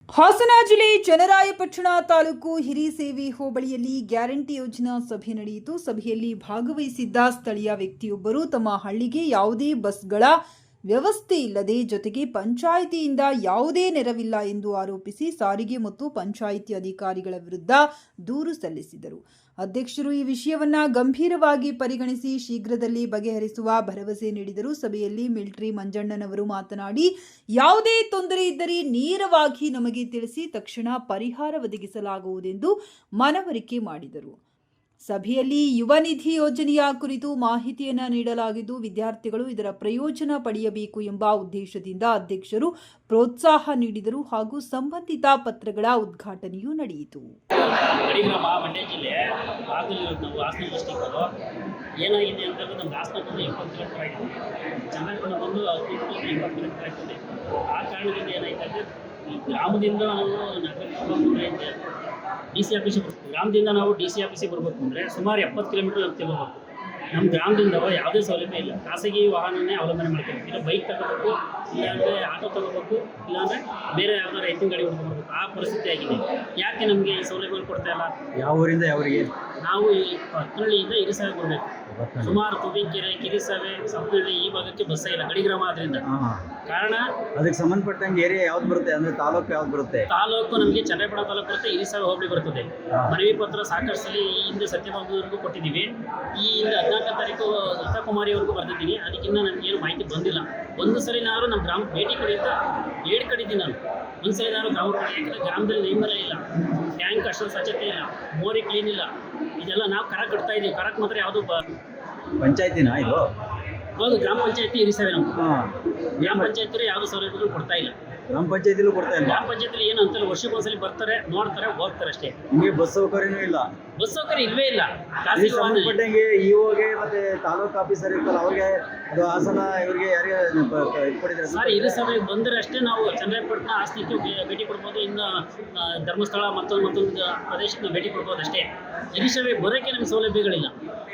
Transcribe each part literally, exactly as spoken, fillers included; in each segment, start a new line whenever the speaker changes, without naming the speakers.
ಹಾಸನ ಜಿಲ್ಲೆ ಚನ್ನರಾಯಪಟ್ಟಣ ತಾಲೂಕು ಹಿರಿಸೇವೆ ಹೋಬಳಿಯಲ್ಲಿ ಗ್ಯಾರಂಟಿ ಯೋಜನಾ ಸಭೆ ನಡೆಯಿತು. ಸಭೆಯಲ್ಲಿ ಭಾಗವಹಿಸಿದ್ದ ಸ್ಥಳೀಯ ವ್ಯಕ್ತಿಯೊಬ್ಬರು ತಮ್ಮ ಹಳ್ಳಿಗೆ ಯಾವುದೇ ಬಸ್ಗಳ ವ್ಯವಸ್ಥೆ ಇಲ್ಲದೆ ಜೊತೆಗೆ ಪಂಚಾಯಿತಿಯಿಂದ ಯಾವುದೇ ನೆರವಿಲ್ಲ ಎಂದು ಆರೋಪಿಸಿ ಸಾರಿಗೆ ಮತ್ತು ಪಂಚಾಯಿತಿ ಅಧಿಕಾರಿಗಳ ವಿರುದ್ಧ ದೂರು ಸಲ್ಲಿಸಿದರು. ಅಧ್ಯಕ್ಷರು ಈ ವಿಷಯವನ್ನ ಗಂಭೀರವಾಗಿ ಪರಿಗಣಿಸಿ ಶೀಘ್ರದಲ್ಲಿ ಬಗೆಹರಿಸುವ ಭರವಸೆ ನೀಡಿದರು. ಸಭೆಯಲ್ಲಿ ಮಿಲಿಟರಿ ಮಂಜಣ್ಣನವರು ಮಾತನಾಡಿ, ಯಾವುದೇ ತೊಂದರೆ ಇದ್ದರೆ ನೇರವಾಗಿ ನಮಗೆ ತಿಳಿಸಿ ತಕ್ಷಣ ಪರಿಹಾರ ಒದಗಿಸಲಾಗುವುದೆಂದು ಮನವರಿಕೆ ಮಾಡಿದರು. ಸಭೆಯಲ್ಲಿ ಯುವ ನಿಧಿ ಯೋಜನೆಯ ಕುರಿತು ಮಾಹಿತಿಯನ್ನು ನೀಡಲಾಗಿದ್ದು, ವಿದ್ಯಾರ್ಥಿಗಳು ಇದರ ಪ್ರಯೋಜನ ಪಡೆಯಬೇಕು ಎಂಬ ಉದ್ದೇಶದಿಂದ ಅಧ್ಯಕ್ಷರು ಪ್ರೋತ್ಸಾಹ ನೀಡಿದರು ಹಾಗೂ ಸಂಬಂಧಿತ ಪತ್ರಗಳ ಉದ್ಘಾಟನೆಯೂ ನಡೆಯಿತು.
ಮಂಡ್ಯ ಜಿಲ್ಲೆ ಆಗಲಿರೋದು ನಾವು ಹಾಸನ ಡಿಸ್ಟಿಕ್ಕರು ಏನಾಗಿದೆ ಅಂತಂದರೆ ನಮ್ಮ ಹಾಸನ ಬಂದು ಇಪ್ಪತ್ತು ಕಿಲೋಮೀಟರ್ ಆಗಿದೆ, ಚನ್ನಪಟ್ಟಣ ಬಂದು ಇಪ್ಪತ್ತು ಕಿಲೋಮೀಟರ್ ಆಗ್ತದೆ. ಆ ಕಾರಣದಿಂದ ಏನಾಯ್ತು ಅಂದರೆ ಈ ಗ್ರಾಮದಿಂದ ನಾವು ನಗರಕ್ಕೆ ಡಿ ಸಿ ಆಫೀಸಿಗೆ ಬರ್ತೀವಿ. ಗ್ರಾಮದಿಂದ ನಾವು ಡಿ ಸಿ ಆಫೀಸಿಗೆ ಬರಬೇಕು ಅಂದರೆ ಸುಮಾರು ಎಪ್ಪತ್ತು ಕಿಲೋಮೀಟರ್ ನಾವು ತಿಳ್ಕೋಬೇಕು. ನಮ್ಮ ಗ್ರಾಮದಿಂದ ಯಾವುದೇ ಸೌಲಭ್ಯ ಇಲ್ಲ, ಖಾಸಗಿ ವಾಹನನೇ ಅವಲಂಬನೆ ಮಾಡ್ಕೋಬೇಕು. ಇಲ್ಲ ಬೈಕ್ ತಗೋಬೇಕು, ಇಲ್ಲಾಂದರೆ ಆಟೋ ತಗೋಬೇಕು, ಇಲ್ಲಾಂದರೆ ಬೇರೆ ಯಾವ್ದಾರು ಎತ್ತಿನ ಗಾಡಿ ಹೊಡ್ಕೊಬೇಕು. ಆ ಪರಿಸ್ಥಿತಿ ಆಗಿದೆ. ಯಾಕೆ ನಮಗೆ ಈ ಸೌಲಭ್ಯಗಳು ಕೊಡ್ತಾ ಇಲ್ಲ?
ಯಾವ ಊರಿಂದ ಯಾವರಿಗೆ?
ನಾವು ಈ ಹತ್ತನಹಳ್ಳಿಯಿಂದ ಹಿರಿಸೇವೆ ಬರಬೇಕು. ಸುಮಾರು ತುಬಿಕೆರೆ, ಕಿರಿಸೇವೆ, ಸಪ್ನಹಳ್ಳಿ ಈ ಭಾಗಕ್ಕೆ ಬಸ್ಸೇ ಇಲ್ಲ, ಗಡಿ ಗ್ರಾಮ ಆದ್ರಿಂದ. ಕಾರಣ
ಅದಕ್ಕೆ ಸಂಬಂಧಪಟ್ಟಂಗೆ ಏರಿಯಾ ಯಾವ್ದು ಬರುತ್ತೆ ಅಂದರೆ ತಾಲೂಕು ಯಾವ್ದು ಬರುತ್ತೆ?
ತಾಲೂಕು ನಮಗೆ ಚನ್ನರಾಯಪಟ್ಟಣ ತಾಲೂಕು ಬರುತ್ತೆ, ಹಿರಿಸೇವೆ ಹೋಬಳಿ ಬರ್ತದೆ. ಮನವಿ ಪತ್ರ ಸಾಕಷ್ಟು ಸಲ ಈ ಹಿಂದೆ ಸತ್ಯಭಾಮವರೆಗೂ ಕೊಟ್ಟಿದ್ದೀವಿ. ಈ ಹಿಂದೆ ಹದಿನಾಲ್ಕನೇ ತಾರೀಕು ಲತಾಕುಮಾರಿವರೆಗೂ ಬರ್ತಿದ್ದೀನಿ. ಅದಕ್ಕಿಂತ ನನಗೇನು ಮಾಹಿತಿ ಬಂದಿಲ್ಲ. ಒಂದು ಸಲಿನಾದ್ರು ನಮ್ಮ ಗ್ರಾಮಕ್ಕೆ ಭೇಟಿ ಕೊಡಿ ಅಂತ ಹೇಳಿ ಕಡಿದ್ದೀನಿ ನಾನು. ಒಂದು ಸಲಿನಾದ್ರು ಗ್ರಾಮ ಯಾಕಂದರೆ ಗ್ರಾಮದಲ್ಲಿ ನೈಮರ ಇಲ್ಲ, ಟ್ಯಾಂಕ್ ಅಷ್ಟೊಂದು ಸ್ವಚ್ಛತೆ ಇಲ್ಲ, ಮೋರಿ ಕ್ಲೀನ್ ಇಲ್ಲ. ಇದೆಲ್ಲ ನಾವು ಕರ ಕಟ್ತಾ ಇದ್ದೀವಿ. ಕರಕ್ಕೆ ಮಾತ್ರ ಯಾವುದು ಬ
ಪಂಚಾಯತಿನಾ ಇದು?
ಹೌದು, ಗ್ರಾಮ ಪಂಚಾಯತಿ ಹಿರಿಸೇವೆ. ನಮ್ಮ ಗ್ರಾಮ ಪಂಚಾಯತಿ ಯಾವುದು ಸೌಲಭ್ಯಗಳು ಕೊಡ್ತಾ ಇಲ್ಲ.
ನಮ್ಮ ಪಂಚಾಯತಿಲೂ ಕೊಡ್ತಾ ಇಲ್ಲ.
ಗ್ರಾಮ ಪಂಚಾಯತಿಲಿ ಏನು ಅಂತಲ್ಲ, ವರ್ಷಕ್ಕೊಂದ್ಸಲಿ ಬರ್ತಾರೆ, ನೋಡ್ತಾರೆ, ಹೋಗ್ತಾರೆ ಅಷ್ಟೇ.
ನಿಮಗೆ ಬಸ್ ಸೌಕರ್ಯನೂ ಇಲ್ಲ?
ಬಸ್ ಸೌಕರ್ಯ ಇಲ್ವೇ ಇಲ್ಲ.
ಸಂಬಂಧಪಟ್ಟಂಗೆ ಇಒಗೆ ಮತ್ತೆ ತಾಲೂಕು ಆಫೀಸರ್ ಇರ್ತಲ್ಲ ಅವ್ರಿಗೆ, ಅದು ಹಾಸನ ಇವರಿಗೆ ಯಾರಿಗೆ ಇಟ್ಕೊಡಿದ್ರೆ
ಸರ್, ಹಿರಿಸೇವೆಗೆ ಬಂದರೆ ಅಷ್ಟೇ ನಾವು ಚನ್ನರಾಯಪಟ್ಟಣ ಆಸ್ತಿಗೆ ಭೇಟಿ ಕೊಡ್ಬೋದು. ಇನ್ನು ಧರ್ಮಸ್ಥಳ ಮತ್ತೊಂದು ಮತ್ತೊಂದು ಪ್ರದೇಶಕ್ಕೆ ನಾವು ಭೇಟಿ ಕೊಡ್ಬೋದು ಅಷ್ಟೇ. ಹಿರಿಸೇವೆಗೆ ಬರೋಕ್ಕೆ ನಮ್ಗೆ ಸೌಲಭ್ಯಗಳಿಲ್ಲ.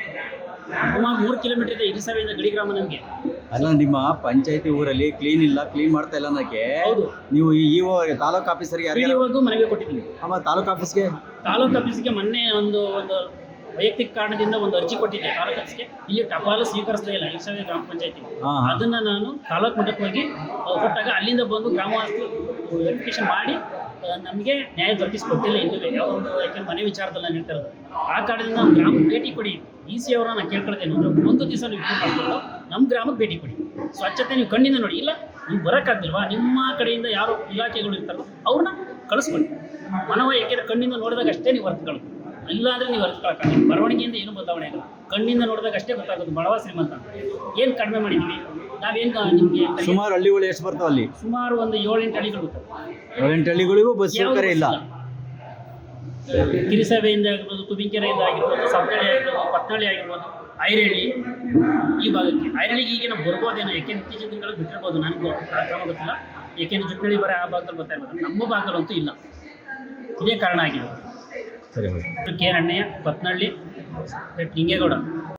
ಸುಮಾರು ಮೂರು ಕಿಲೋಮೀಟರ್ ಇದೆ ಹಿರಿಸೇವೆಯಿಂದ ಗಡಿ ಗ್ರಾಮ ನಮಗೆ.
ಅಲ್ಲ, ನಿಮ್ಮ ಪಂಚಾಯತಿ ಊರಲ್ಲಿ ಕ್ಲೀನ್ ಇಲ್ಲ, ಕ್ಲೀನ್ ಮಾಡ್ತಾ ಇಲ್ಲ ಅನ್ನೋಕ್ಕೆ
ಹೌದು
ನೀವು ಈ ತಾಲೂಕು ಆಫೀಸರ್ಗೆ ಯಾರಿಗೂ
ಮನವಿ ಕೊಟ್ಟಿದ್ದೀನಿ.
ಆಮೇಲೆ ತಾಲೂಕು ಆಫೀಸ್ಗೆ
ತಾಲೂಕು ಆಫೀಸ್ಗೆ ಮೊನ್ನೆ ಒಂದು ಒಂದು ವೈಯಕ್ತಿಕ ಕಾರಣದಿಂದ ಒಂದು ಅರ್ಜಿ ಕೊಟ್ಟಿದ್ದೆ ತಾಲೂಕು ಆಫೀಸ್ಗೆ. ಇಲ್ಲಿ ಟಪಾಲು ಸ್ವೀಕರಿಸಲೇ ಇಲ್ಲ ಹಿರಿಸೇವೆ ಗ್ರಾಮ ಪಂಚಾಯತಿ. ಅದನ್ನು ನಾನು ತಾಲೂಕು ಮಟ್ಟಕ್ಕೆ ಹೋಗಿ ಕೊಟ್ಟಾಗ ಅಲ್ಲಿಂದ ಬಂದು ಗ್ರಾಮವಾಸ್ತು ವೆರಿಫಿಕೇಶನ್ ಮಾಡಿ ನಮಗೆ ನ್ಯಾಯ ದೊರಕಿಸ್ಕೊಟ್ಟಿಲ್ಲ ಇನ್ನೂ ಯಾವ ಒಂದು ಯಾಕೆಂದ್ರೆ ಮನೆ ವಿಚಾರದಲ್ಲಿ ನಾನು ಹೇಳ್ತಾ ಇರೋದು. ಆ ಕಾರಣದಿಂದ ನಮ್ಮ ಗ್ರಾಮಕ್ಕೆ ಭೇಟಿ ಕೊಡಿ. ಇ ಸಿ ಅವರನ್ನ ನಾನು ಕೇಳ್ಕೊಳ್ತೇನೆ, ಒಂದು ದಿವಸ ನೀವು ಮಾಡ್ಕೊಂಡು ನಮ್ಮ ಗ್ರಾಮಕ್ಕೆ ಭೇಟಿ ಕೊಡಿ. ಸ್ವಚ್ಛತೆ ನೀವು ಕಣ್ಣಿಂದ ನೋಡಿ. ಇಲ್ಲ ನೀವು ಬರೋಕ್ಕಾಗ್ದಿಲ್ವಾ, ನಿಮ್ಮ ಕಡೆಯಿಂದ ಯಾರು ಇಲಾಖೆಗಳು ಇರ್ತಾರೋ ಅವ್ರನ್ನ ಕಳಿಸ್ಕೊಳ್ಳಿ. ಮನವ ಯಾಕೆಂದರೆ ಕಣ್ಣಿಂದ ನೋಡಿದಾಗ ಅಷ್ಟೇ ನೀವು ಅರ್ಥಗಳು, ಇಲ್ಲಾಂದರೆ ನೀವು ಅರ್ಥಕೊಳಕ್ಕಾಗಲ್ಲ. ಬರವಣಿಗೆಯಿಂದ ಏನು ಬದಲಾವಣೆ ಆಗಲ್ಲ, ಕಣ್ಣಿಂದ ನೋಡಿದಾಗ ಅಷ್ಟೇ ಗೊತ್ತಾಗೋದು ಬಡವ ಶ್ರೀಮಂತ. ಏನು ಕಡಿಮೆ ಮಾಡಿದ್ದೀವಿ ನಾವೇನು ನಿಮಗೆ?
ಸುಮಾರು ಹಳ್ಳಿಗಳು ಎಷ್ಟು ಬರ್ತಾವೆ ಅಲ್ಲಿ?
ಸುಮಾರು ಒಂದು ಏಳೆಂಟು ಹಳ್ಳಿಗಳು ಬರ್ತವೆ.
ಏಳೆಂಟು ಹಳ್ಳಿಗಳಿಗೂ ಬಸ್ ಸೌಕರ್ಯ ಇಲ್ಲ.
ಹಿರಿಸೇವೆಯಿಂದ ಆಗಿರ್ಬೋದು, ತುಬಿಕೆರೆಯಿಂದ ಆಗಿರ್ಬೋದು, ಸಪ್ನಹಳ್ಳಿ ಆಗಿರ್ಬೋದು, ಪತ್ನಹಳ್ಳಿ ಆಗಿರ್ಬೋದು, ಐರಳ್ಳಿ ಈ ಭಾಗಕ್ಕೆ. ಐರಳ್ಳಿಗೆ ಈಗ ನಾವು ಬರ್ಬೋದೇನೋ, ಯಾಕೆಂದ್ರೆ ಇತ್ತೀಚಿನ ದಿನಗಳು ಬಿಟ್ಟಿರ್ಬೋದು, ನನಗೂ ಆ ಕ್ರಮ ಗೊತ್ತಿಲ್ಲ. ಏಕೆಂದ್ರೆ ಜುಟ್ನಳ್ಳಿ ಬರೋ ಆ ಭಾಗದಲ್ಲಿ ಬರ್ತಾ ಇರ್ಬೋದು, ನಮ್ಮ ಭಾಗದಲ್ಲಂತೂ ಇಲ್ಲ. ಇದೇ ಕಾರಣ ಆಗಿದೆ.
ಸರಿ,
ಕೆ ಅಣ್ಣಯ್ಯ, ಪತ್ನಹಳ್ಳಿ, ಲಿಂಗೇಗೌಡ.